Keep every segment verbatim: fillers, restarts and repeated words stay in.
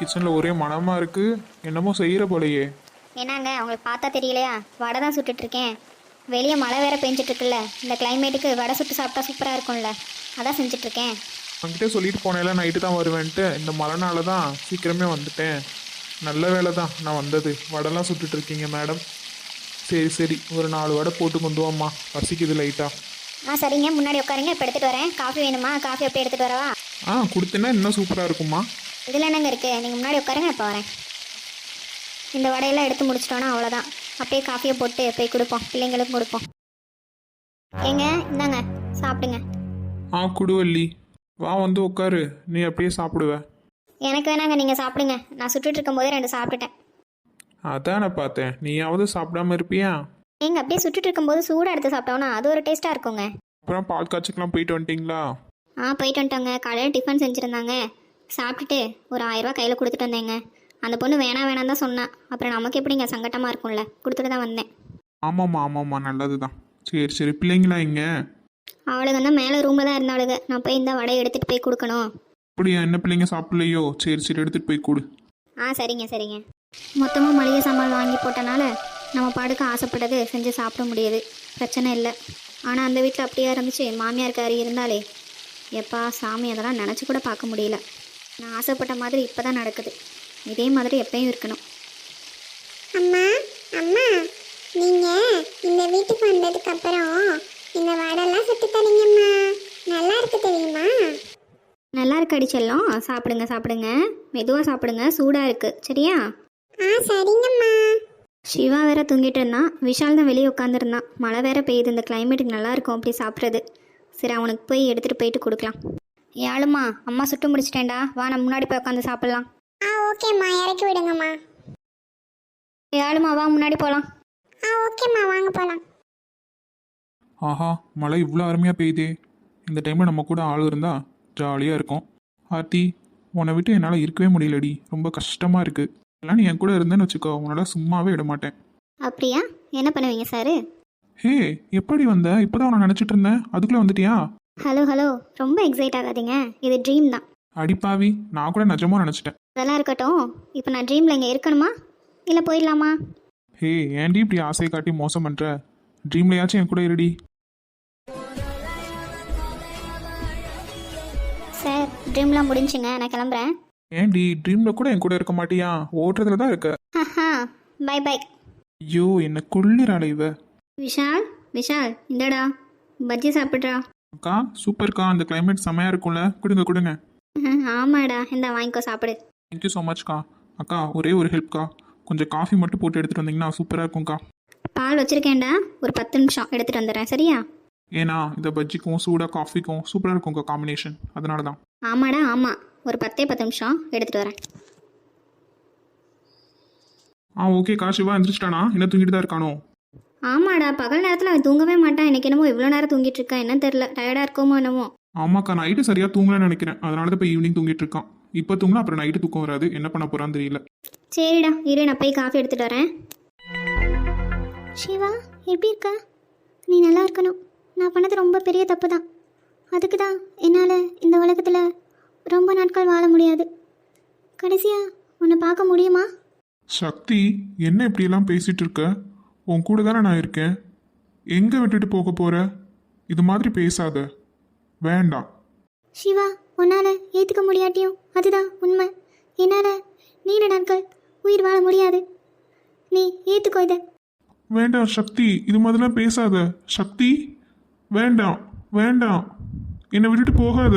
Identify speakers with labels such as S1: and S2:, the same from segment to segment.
S1: கிச்சனில் ஒரே மணமாக இருக்குது. என்னமோ செய்கிற போலையே.
S2: என்னங்க உங்களுக்கு பார்த்தா தெரியலையா? வடை தான் சுட்டுட்டு இருக்கேன். வெளியே மழை வேற பெஞ்சிட்டு இருக்குல்ல, இந்த கிளைமேட்டுக்கு வடை சுட்டு சாப்பிட்டா சூப்பராக இருக்கும்ல, அதான் செஞ்சிட்ருக்கேன்.
S1: அவங்ககிட்ட சொல்லிட்டு போனேல நைட்டு தான் வருவேன்ட்டு. இந்த மழைனால தான் சீக்கிரமே வந்துட்டேன். நல்ல வேலை தான் நான் வந்தது. வடைலாம் சுட்டுட்டு இருக்கீங்க மேடம். சரி சரி, ஒரு நாலு வடை போட்டு கொண்டு வாம்மா, பசிக்குது லைட்டாக.
S2: ஆ சரிங்க, முன்னாடி உட்காருங்க, இப்போ எடுத்துகிட்டு வரேன். காஃபி வேணுமா? காஃபி அப்படியே எடுத்துகிட்டு வரவா?
S1: ஆ கொடுத்தேன்னா இன்னும் சூப்பராக இருக்குமா.
S2: இதில் என்னங்க இருக்குது? நீங்கள் முன்னாடி உட்காருங்க, இப்போ வரேன். இந்த வடையெல்லாம் எடுத்து முடிச்சிட்டோன்னா அவ்வளோதான். அப்படியே காஃபியை போட்டு போய் கொடுப்போம், பிள்ளைங்களுக்கும் கொடுப்போம். ஏங்க இந்தாங்க சாப்பிடுங்க.
S1: ஆ குடுவல்லி, வா வந்து உட்காரு, நீ அப்படியே சாப்பிடுவ.
S2: எனக்கு வேணாங்க, நீங்கள் சாப்பிடுங்க. நான் சுட்டுட்டு இருக்கும்போதே ரெண்டு சாப்பிட்டுட்டேன்.
S1: அதான் நான் பார்த்தேன், நீயாவது சாப்பிடாம இருப்பியா?
S2: ஏங்க அப்படியே சுட்டுட்டு இருக்கும்போது சூடாக எடுத்து சாப்பிட்டோன்னா அது ஒரு டேஸ்ட்டாக இருக்குங்க.
S1: அப்புறம் பால் காய்ச்சிக்கலாம் போயிட்டு வந்துட்டீங்களா?
S2: ஆ போயிட்டு வந்துட்டோங்க. காலையில் டிஃபன் செஞ்சுருந்தாங்க, சாப்பிட்டுட்டு ஒரு ஆயிரரூவா கையில் கொடுத்துட்டு வந்தேங்க. அந்த பொண்ணு வேணாம் வேணாம் தான் சொன்னான். அப்புறம் நமக்கு எப்படிங்க சங்கட்டமாக இருக்கும்ல, கொடுத்துட்டு தான் வந்தேன்.
S1: ஆமாம்மா ஆமாம்மா, நல்லது தான். சரி சரி, பிள்ளைங்களா இங்கே?
S2: அவளுக்கு வந்து மேலே ரூமில் தான் இருந்தாளுங்க. நான் போய் இந்த வடையை எடுத்துகிட்டு போய் கொடுக்கணும்.
S1: அப்படியா? என்ன பிள்ளைங்க சாப்பிடலையோ? சரி சரி, எடுத்துகிட்டு போய் கொடு.
S2: ஆ சரிங்க சரிங்க. மொத்தமாக மளிகை சாமான் வாங்கி போட்டனால நம்ம பாடுக்கு ஆசைப்பட்டது செஞ்சு சாப்பிட முடியுது, பிரச்சனை இல்லை. ஆனால் அந்த வீட்டில் அப்படியே இருந்துச்சு, மாமியாருக்காரி இருந்தாலே எப்பா சாமி, அதெல்லாம் நினச்சி கூட பார்க்க முடியல. நான் ஆசைப்பட்ட மாதிரி இப்போ தான் நடக்குது. இதே மாதிரி எப்பயும் இருக்கணும்.
S3: அம்மா அம்மா, நீங்க இந்த வீட்டுக்கு வந்ததுக்கு அப்புறம் இந்த வடைலாம் சுட்டு தரீங்கம்மா, நல்லா இருக்கு தெரியுமா?
S2: நல்லா இருக்கு அடிச்செல்லாம். சாப்பிடுங்க சாப்பிடுங்க, மெதுவாக சாப்பிடுங்க, சூடாக இருக்குது சரியா?
S3: ஆ சரிங்கம்மா.
S2: சிவா வேற தூங்கிட்டு இருந்தான், விஷால் தான் வெளியே உட்காந்துருந்தான். மழை வேற பெய்யுது, இந்த கிளைமேட்டுக்கு நல்லா இருக்கும் அப்படி சாப்பிட்றது. சரி அவனுக்கு போய் எடுத்துகிட்டு போயிட்டு கொடுக்கலாம். ஏழுமா, அம்மா சுட்டு முடிச்சிட்டேன்டா, வா நம்ம முன்னாடி போய் உட்காந்து சாப்பிட்லாம்.
S3: ஆ ஓகேம்மா, இறக்கி விடுங்கம்மா.
S2: ஏழுமா வா முன்னாடி போகலாம்.
S3: ஆ ஓகேம்மா, வாங்க போகலாம்.
S1: ஆஹா, மழை இவ்வளோ அருமையாக பெய்யுதே. இந்த டைமில் நம்ம கூட ஆள் இருந்தால் ஜாலியாக இருக்கும். ஆர்த்தி, உன்னை விட்டு என்னால் இருக்கவே முடியலடி, ரொம்ப கஷ்டமாக இருக்குது. எல்லாம் நீ என் கூட இருந்தேன்னு வச்சுக்கோ, உன்னால் சும்மாவே விட மாட்டேன்.
S2: அப்படியா? என்ன பண்ணுவீங்க சார்?
S1: ஹே, எப்படி வந்த? இப்போ தான் உன்னை நினச்சிட்டு இருந்தேன், அதுக்குள்ளே வந்துட்டியா?
S2: ஹலோ ஹலோ, ரொம்ப எக்ஸைட் ஆகாதீங்க, இது ட்ரீம் தான்.
S1: அடிப்பாவி, நான் கூட நிஜமாக நினச்சிட்டேன்.
S2: அதெல்லாம் இருக்கட்டும், இப்போ நான் ட்ரீமில் இங்கே இருக்கணுமா இல்லை போயிடலாமா?
S1: ஹே, ஏன்டி இப்படி ஆசையை காட்டி மோசம் பண்ணுற? ட்ரீம்லையாச்சும் என் கூட இருடி.
S2: சார் ட்ரீம்லாம் முடிஞ்சுங்க, நான் கிளம்புறேன்.
S1: ஏன்டி ட்ரீமில் கூட என் கூட இருக்க மாட்டியா? ஓட்டுறதுல தான் இருக்க.
S2: ஹஹா, பை பை.
S1: ஐயோ, என்ன கொள்ளுறாள இவ.
S2: விஷால் விஷால் இந்தடா பஜ்ஜி சாப்பிட்றா.
S1: அக்கா சூப்பர்க்கா, அந்த கிளைமேட் செமையாக இருக்கும்ல, கொடுங்க கொடுங்க.
S2: ஆமாடா, இந்த வாங்கிக்கோ சாப்பிடு.
S1: தேங்க்யூ ஸோ மச்க்கா. அக்கா ஒரே ஒரு ஹெல்ப்க்கா, கொஞ்சம் காஃபி மட்டும் போட்டு எடுத்துகிட்டு வந்தீங்கன்னா சூப்பராக இருக்கும்க்கா.
S2: பால் வச்சுருக்கேன்டா, ஒரு பத்து நிமிஷம் எடுத்துகிட்டு வந்துடுறேன் சரியா?
S1: ஏன்னா இந்த பஜ்ஜிக்கும் சூடாக காஃபிக்கும் சூப்பராக இருக்கும்க்கா காம்பினேஷன், அதனால தான்.
S2: ஆமாடா ஆமாம், ஒரு பத்தே பத்து நிமிஷம் எடுத்துகிட்டு வரேன்.
S1: ஆ ஓகேக்கா. சிவா எந்திரிச்சிட்டானா? என்ன தூங்கிட்டு தான் இருக்கானோ?
S2: ஆமாடா, பகல் நேரத்தில் அவன் தூங்கவே மாட்டான். எனக்கு என்னமோ இவ்வளோ நேரம் தூங்கிட்டு இருக்கான், என்னன்னு தெரில, டயர்டாக இருக்கோமோ என்னமோ.
S1: ஆமாக்கா, நைட்டு சரியாக தூங்கலன்னு நினைக்கிறேன், அதனால தான் இப்போ ஈவினிங் தூங்கிட்டு இருக்கான். இப்போ தூங்கினா அப்புறம் நைட்டு தூக்கம் வராது, என்ன பண்ண போகிறான்னு தெரியல.
S2: சரிடா இரு, நான் போய் காஃபி எடுத்துகிட்டு வரேன். சிவா எப்படி இருக்க? நீ நல்லா இருக்கணும். நான் பண்ணது ரொம்ப பெரிய தப்பு தான். அதுக்கு தான் என்னால் இந்த உலகத்தில் ரொம்ப நாட்கள் வாழ முடியாது. கடைசியாக உன்னை பார்க்க முடியுமா?
S1: சக்தி, என்ன இப்படியெல்லாம் பேசிகிட்டு இருக்க? உன் கூட தானே நான் இருக்கேன், எங்கே விட்டுட்டு போக போகிற? இது மாதிரி பேசாத, வேண்டாம்.
S2: சிவா, உன்னால் ஏற்றுக்க முடியாட்டியும் அதுதான் உண்மை. என்னால் நீண்ட நாட்கள் உயிர் வாழ முடியாது. நீ ஏற்றுக்கோ இதை.
S1: வேண்டாம் சக்தி, இது மாதிரிலாம் பேசாத. சக்தி, வேண்டாம் வேண்டாம், என்னை விட்டுட்டு போகாத.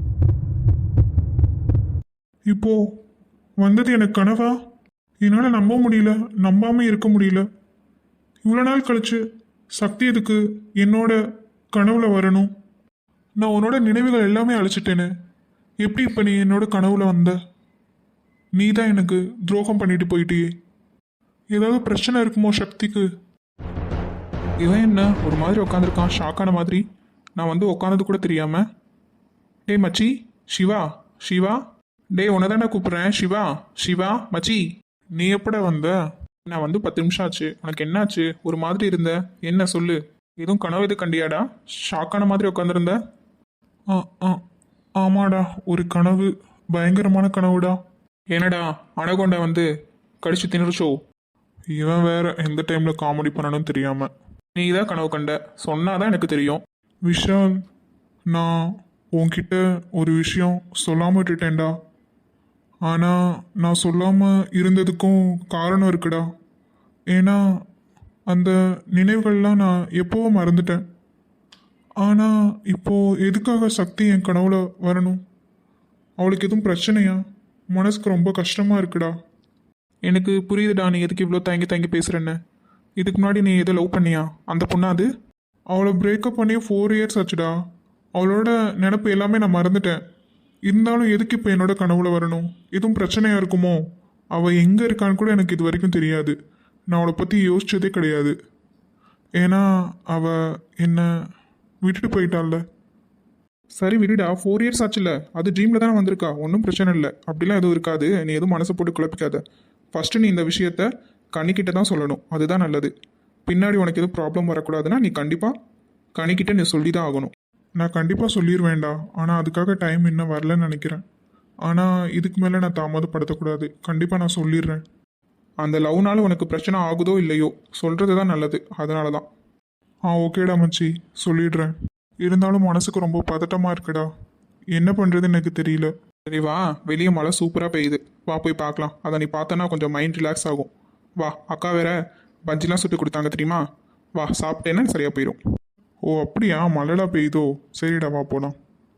S1: இப்போ வந்தது எனக்கு கனவா? என்னால் நம்ப முடியல, நம்பாம இருக்க முடியல. இவ்வளோ நாள் கழிச்சு சக்தி எதுக்கு என்னோட கனவுல வரணும்? நான் உன்னோட நினைவுகள் எல்லாமே அழிச்சிட்டேனே, எப்படி இப்போ நீ என்னோட கனவுல வந்த? நீ தான் எனக்கு துரோகம் பண்ணிட்டு போயிட்டியே. ஏதாவது பிரச்சனை இருக்குமோ சக்திக்கு? இவன் என்ன ஒரு மாதிரி உட்காந்துருக்கான், ஷாக்கான மாதிரி. நான் வந்து உட்காந்தது கூட தெரியாம. டேய் மச்சி, சிவா சிவா, டேய் உன்னை தானே கூப்பிட்றேன். சிவா சிவா மச்சி, நீ எப்படா வந்த? நான் வந்து பத்து நிமிஷம் ஆச்சு. உனக்கு என்னாச்சு? ஒரு மாதிரி இருந்த, என்ன சொல்லு? எதுவும் கனவு எது கண்டியாடா? ஷாக்கான மாதிரி உட்காந்துருந்த. ஆ ஆ ஆமாடா, ஒரு கனவு, பயங்கரமான கனவுடா. என்னடா அனகொண்டா வந்து கடிச்சு திணிச்சோ? இவன் வேற எந்த டைம்ல காமெடி பண்ணணும்னு தெரியாம. நீ தான் கனவு கண்ட சொன்னாதான் எனக்கு தெரியும். விஷால், நான் உன்கிட்ட ஒரு விஷயம் சொல்லாம விட்டுட்டேன்டா. ஆனா நான் சொல்லாம இருந்ததுக்கும் காரணம் இருக்குடா. ஏன்னா அந்த நினைவுகள்லாம் நான் எப்போவோ மறந்துட்டேன். ஆனா இப்போ எதுக்காக சக்தி என் கனவுல வரணும்? அவளுக்கு எதுவும் பிரச்சனையா? மனசுக்கு ரொம்ப கஷ்டமா இருக்குடா. எனக்கு புரியுதுடா நீ எதுக்கு இவ்வளோ தயங்கி தயங்கி பேசுகிறேன்னு. இதுக்கு முன்னாடி நீ எதை லவ் பண்ணியா? அந்த பொண்ணா அது? அவளை பிரேக்கப் பண்ணி ஃபோர் இயர்ஸ் ஆச்சுடா. அவளோட நினப்பு எல்லாமே நான் மறந்துட்டேன். இருந்தாலும் எதுக்கு இப்போ என்னோட கனவுல வரணும்? எதுவும் பிரச்சனையாக இருக்குமோ? அவள் எங்கே இருக்கான்னு கூட எனக்கு இது வரைக்கும் தெரியாது. நான் அவளை பற்றி யோசிச்சதே கிடையாது. ஏன்னா அவள் என்னை விட்டுட்டு போயிட்டாள்ல. சரி விடுடா, ஃபோர் இயர்ஸ் ஆச்சுல்ல, அது ட்ரீமில் தானே வந்திருக்கா, ஒன்றும் பிரச்சனை இல்லை. அப்படிலாம் எதுவும் இருக்காது. நீ எதுவும் மனசை போட்டு குழப்பிக்காத. ஃபஸ்ட்டு நீ இந்த விஷயத்த கனிக்கிட்ட தான் சொல்லணும், அதுதான் நல்லது. பின்னாடி உனக்கு எதுவும் ப்ராப்ளம் வரக்கூடாதுன்னா நீ கண்டிப்பாக கனிக்கிட்ட நீ சொல்லி தான் ஆகணும். நான் கண்டிப்பாக சொல்லிடுவேன்டா, ஆனால் அதுக்காக டைம் இன்னும் வரலன்னு நினைக்கிறேன். ஆனால் இதுக்கு மேலே நான் தாமதப்படுத்தக்கூடாது. கண்டிப்பாக நான் சொல்லிடுறேன். அந்த லவ்னால உனக்கு பிரச்சனை ஆகுதோ இல்லையோ சொல்கிறது தான் நல்லது. அதனால தான். ஆ ஓகேடா மச்சி, சொல்லிடுறேன். இருந்தாலும் மனசுக்கு ரொம்ப பதட்டமாக இருக்குடா. என்ன பண்ணுறதுன்னு எனக்கு தெரியல. சரி வா, வெளியே மழை சூப்பராக பெய்யுது, வா போய் பார்க்கலாம். அதை நீ பார்த்தனா கொஞ்சம் மைண்ட் ரிலாக்ஸ் ஆகும். வா, அக்கா வேற பஜ்ஜிலாம் சுட்டு கொடுத்தாங்க தெரியுமா? வா சாப்பிட்டேன்னா சரியாக போயிடும். ஓ அப்படியா, மழைடா பெய்யுதோ? சரிடா வா போகலாம்.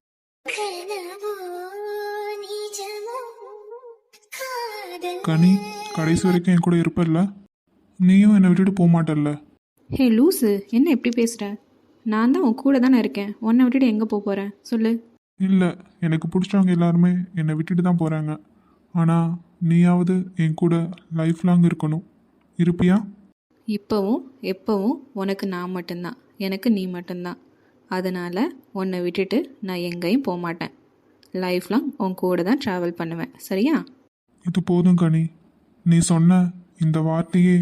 S1: கனி, கடைசி வரைக்கும் என் கூட இருப்பல்ல? நீயும் என்னை விட்டுட்டு போக மாட்டல்ல?
S4: ஹே லூஸு, என்ன எப்படி பேசுகிற? நான் தான் உன் கூட தானே இருக்கேன். உன்னை விட்டுட்டு எங்கே போக போகிறேன் சொல்லு.
S1: இல்லை, எனக்கு பிடிச்சவங்க எல்லாருமே என்னை விட்டுட்டு தான் போகிறாங்க. ஆனால் நீயாவது என் கூட லைஃப் லாங் இருக்கணும். இருப்பியா?
S4: இப்போவும் எப்போவும் உனக்கு நான் மட்டும்தான், எனக்கு நீ மட்டும்தான். அதனால் உன்னை விட்டுட்டு நான் எங்கேயும் போக மாட்டேன். லைஃப் லாங் உன் கூட தான் ட்ராவல் பண்ணுவேன், சரியா?
S1: இது போதும் கனி. நீ சொன்ன இந்த வார்த்தையே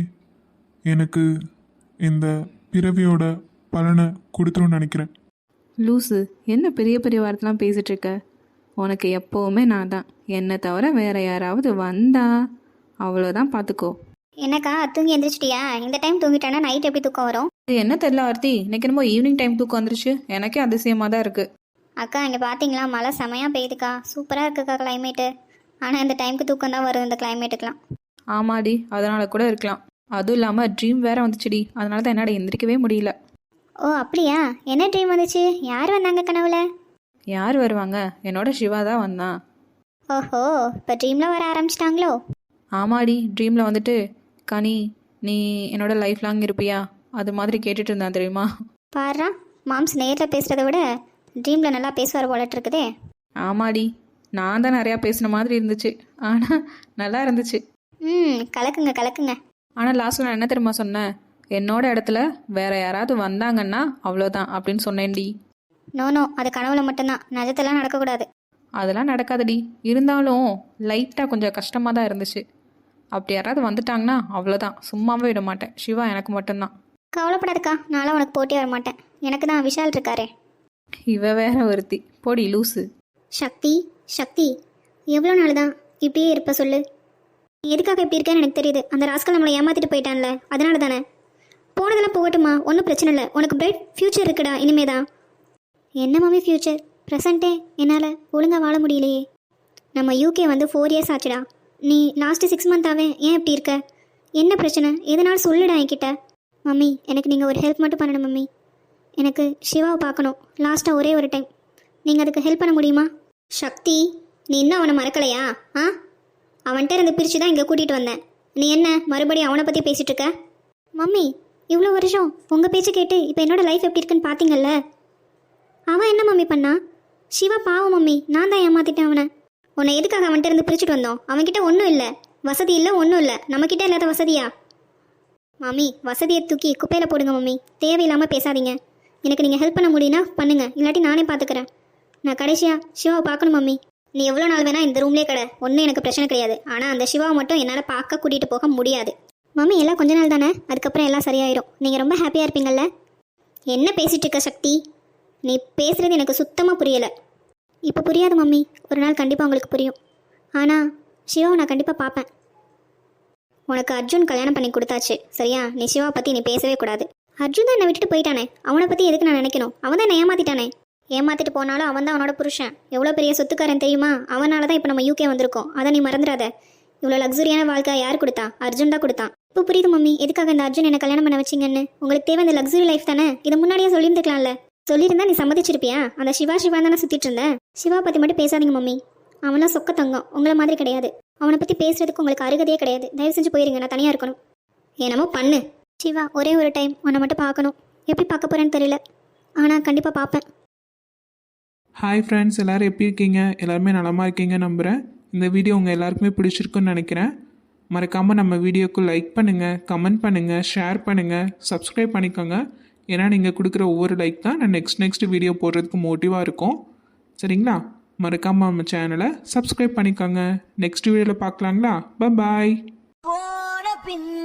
S1: எனக்கு இந்த பிறவியோட பலனை கொடுத்துருன்னு நினைக்கிறேன்.
S4: லூஸு, என்ன பெரிய பெரிய வார்த்தைலாம் பேசிகிட்டு இருக்க? உனக்கு எப்போவுமே நான் தான். என்னை தவிர வேறு யாராவது வந்தா அவ்வளோதான், பார்த்துக்கோ.
S2: என்னக்கா தூங்கி எந்திரிச்சிட்டியா? இந்த டைம் தூங்கிட்டானா நைட் எப்படி தூக்கம் வரும்?
S4: இது என்ன தெரியல ஆர்த்தி, இன்னைக்கு என்னமோ ஈவினிங் டைம் தூக்கம் வந்துருச்சு. எனக்கே அதிசயமாக தான் இருக்குது.
S2: அக்கா இங்கே பார்த்தீங்களா, மழை செமையாக பெய்யுதுக்கா. சூப்பராக இருக்குக்கா கிளைமேட்டு. ஆனால் இந்த டைமுக்கு தூக்கம் தான் வரும் இந்த கிளைமேட்டுக்கெலாம்.
S4: ஆமாடி, அதனால கூட இருக்கலாம். அதுவும் இல்லாமல் ட்ரீம் வேற வந்துச்சுடி, அதனால தான் என்னால் எந்திரிக்கவே முடியல.
S2: ஓ அப்படியா? என்ன ட்ரீம் வந்துச்சு? யார் வந்தாங்க கனவுல?
S4: யார் வருவாங்க, என்னோட சிவா தான் வந்தான்.
S2: ஓஹோ, இப்போ ட்ரீமில் வர ஆரம்பிச்சிட்டாங்களோ?
S4: ஆமாடி, ட்ரீமில் வந்துட்டு கனி நீ என்னோட லைஃப் லாங் இருப்பியா அது மாதிரி கேட்டுட்டு இருந்தான் தெரியுமா?
S2: பாருடா, மாம்ஸ் நேரில் பேசுகிறத விட ட்ரீமில் நல்லா பேசுவார் போலட்டு இருக்குதே.
S4: ஆமாடி, நான் தான் நிறையா பேசின மாதிரி இருந்துச்சு, ஆனால் நல்லா இருந்துச்சு.
S2: ம் கலக்குங்க கலக்குங்க.
S4: ஆனால் லாஸ்ட்டில் நான் என்ன தெரியுமா சொன்னேன்? என்னோட இடத்துல வேற யாராவது வந்தாங்கன்னா அவ்வளோதான் அப்படின்னு சொன்னேன்டி.
S2: நோ நோ, அது கனவுல மட்டும்தான், நிஜத்தெல்லாம் நடக்கக்கூடாது.
S4: அதெல்லாம் நடக்காதடி. இருந்தாலும் லைட்டாக கொஞ்சம் கஷ்டமாக தான் இருந்துச்சு. அப்படி யாராவது வந்துட்டாங்கன்னா அவ்வளோதான், சும்மாவே விட மாட்டேன். சிவா எனக்கு மட்டும்தான்.
S2: கவலைப்படாதுக்கா, நானும் உனக்கு போட்டி வர மாட்டேன். எனக்கு தான் விஷால் இருக்காரே.
S4: இவ வேற ஒருத்தி, போடி லூஸு.
S2: சக்தி சக்தி, எவ்வளோ நாள் தான் இப்படியே இருப்ப சொல்லு? நீ எதுக்காக இப்படி இருக்கேன்னு எனக்கு தெரியுது. அந்த ராஸ்கல் நம்மளை ஏமாத்திட்டு போயிட்டான்ல, அதனால தானே. போனதெல்லாம் போகட்டுமா, ஒன்றும் பிரச்சனை இல்லை. உனக்கு பிரைட் ஃப்யூச்சர் இருக்குடா இனிமேதான். என்ன மாமி ஃப்யூச்சர்? ப்ரெசண்ட்டே என்னால் ஒழுங்காக வாழ முடியலையே. நம்ம யூகே வந்து ஃபோர் இயர்ஸ் ஆச்சுடா. நீ லாஸ்ட்டு சிக்ஸ் மந்த்தாவே ஏன் இப்படி இருக்க? என்ன பிரச்சனை? எதனால சொல்லுடா என்கிட்ட. மம்மி எனக்கு நீங்கள் ஒரு ஹெல்ப் மட்டும் பண்ணணும் மம்மி. எனக்கு சிவாவை பார்க்கணும் லாஸ்ட்டாக ஒரே ஒரு டைம். நீங்கள் அதுக்கு ஹெல்ப் பண்ண முடியுமா? சக்தி, நீ இன்னும் அவனை மறக்கலையா? ஆ, அவன்கிட்ட இருந்து பிரித்து தான் இங்கே கூட்டிகிட்டு வந்தேன். நீ என்ன மறுபடியும் அவனை பற்றி பேசிகிட்டு இருக்க? மம்மி, இவ்வளோ வருஷம் உங்கள் பேச்சு கேட்டு இப்போ என்னோட லைஃப் எப்படி இருக்குன்னு பார்த்தீங்கல்ல. அவன் என்ன மம்மி பண்ணா? சிவா பாவம் மம்மி, நான் தான் ஏமாத்திட்டேன் அவனை. உன்னை எதுக்காக அவன்கிட்ட இருந்து பிரிச்சுட்டு வந்தோம்? அவன்கிட்ட ஒன்றும் இல்லை, வசதி இல்லை, ஒன்றும் இல்லை. நம்மக்கிட்ட இல்லாத வசதியா? மம்மி, வசதியை தூக்கி குப்பையில் போடுங்க மம்மி. தேவையில்லாமல் பேசாதீங்க. எனக்கு நீங்கள் ஹெல்ப் பண்ண முடியும்னா பண்ணுங்க, இல்லாட்டி நானே பார்த்துக்கிறேன். நான் கடைசியாக சிவாவை பார்க்கணும் மம்மி. நீ எவ்வளோ நாள் வேணால் இந்த ரூம்லேயே கடை, ஒன்றும் எனக்கு பிரச்சனை கிடையாது. ஆனால் அந்த சிவாவை மட்டும் என்னால் பார்க்க கூட்டிகிட்டு போக முடியாது மம்மி. எல்லாம் கொஞ்ச நாள் தானே, அதுக்கப்புறம் எல்லாம் சரியாயிடும். நீங்கள் ரொம்ப ஹாப்பியாக இருப்பீங்கள்ல. என்ன பேசிகிட்டு இருக்க சக்தி? நீ பேசுகிறது எனக்கு சுத்தமாக புரியலை. இப்போ புரியாது மம்மி, ஒரு நாள் கண்டிப்பாக உங்களுக்கு புரியும். ஆனால் சிவாவை நான் கண்டிப்பாக பார்ப்பேன். உனக்கு அர்ஜுன் கல்யாணம் பண்ணி கொடுத்தாச்சு சரியா? நீ சிவா பற்றி நீ பேசவே கூடாது. அர்ஜுன் தான் என்னை விட்டுட்டு போயிட்டானே, அவனை பற்றி எதுக்கு நான் நினைக்கணும்? அவன் தான் என்னை ஏமாத்திட்டானே. ஏமாத்திட்டு போனாலும் அவன் தான் அவனோட புருஷன். எவ்வளோ பெரிய சொத்துக்காரன் தெரியுமா? அவனால தான் இப்போ நம்ம யூகே வந்திருக்கோம். அதை நீ மறந்துடாத. இவ்வளோ லக்ஸுரியான வாழ்க்கை யார் கொடுத்தா? அர்ஜுன் தான் கொடுத்தான். இப்போ புரியுது மம்மி எதுக்காக இந்த அர்ஜுன் என்னை கல்யாணம் பண்ண வச்சிங்கன்னு. உங்களுக்கு தேவை இந்த லக்ஸுரி லைஃப் தானே? இதை முன்னாடியே சொல்லியிருந்துக்கலாம்ல. சொல்லியிருந்தா நீ சம்மதிச்சிருப்பியா? அந்த சிவா சிவா தானே சுற்றிட்டு இருந்தேன். சிவா பற்றி மட்டும் பேசாதீங்க மம்மி. அவன்லாம் சொக்க தங்கம், உங்களை மாதிரி கிடையாது. அவனை பற்றி பேசுறதுக்கு உங்களுக்கு அருகதையே கிடையாது. தயவு செஞ்சு போயிருங்க, நான் தனியாக இருக்கணும். என்னமோ பண்ணு. சிவா ஒரே ஒரு டைம் உன்னை மட்டும் பார்க்கணும். எப்படி பார்க்க போகிறேன்னு தெரியல, ஆனால் கண்டிப்பாக பார்ப்பேன்.
S5: ஹாய் ஃப்ரெண்ட்ஸ், எல்லோரும் எப்படி இருக்கீங்க? எல்லாருமே நலமாக இருக்கீங்க நம்புகிறேன். இந்த வீடியோ உங்கள் எல்லாருக்குமே பிடிச்சிருக்குன்னு நினைக்கிறேன். மறக்காமல் நம்ம வீடியோக்கு லைக் பண்ணுங்கள், கமெண்ட் பண்ணுங்கள், ஷேர் பண்ணுங்கள், சப்ஸ்கிரைப் பண்ணிக்கோங்க. ஏன்னா நீங்கள் கொடுக்குற ஒவ்வொரு லைக் தான் நான் நெக்ஸ்ட் நெக்ஸ்ட் வீடியோ போடுறதுக்கு மோட்டிவாக இருக்கும். சரிங்களா? மறக்காமல் நம்ம சேனலை சப்ஸ்கிரைப் பண்ணிக்கோங்க. நெக்ஸ்ட் வீடியோவில் பார்க்கலாங்களா? பாய்.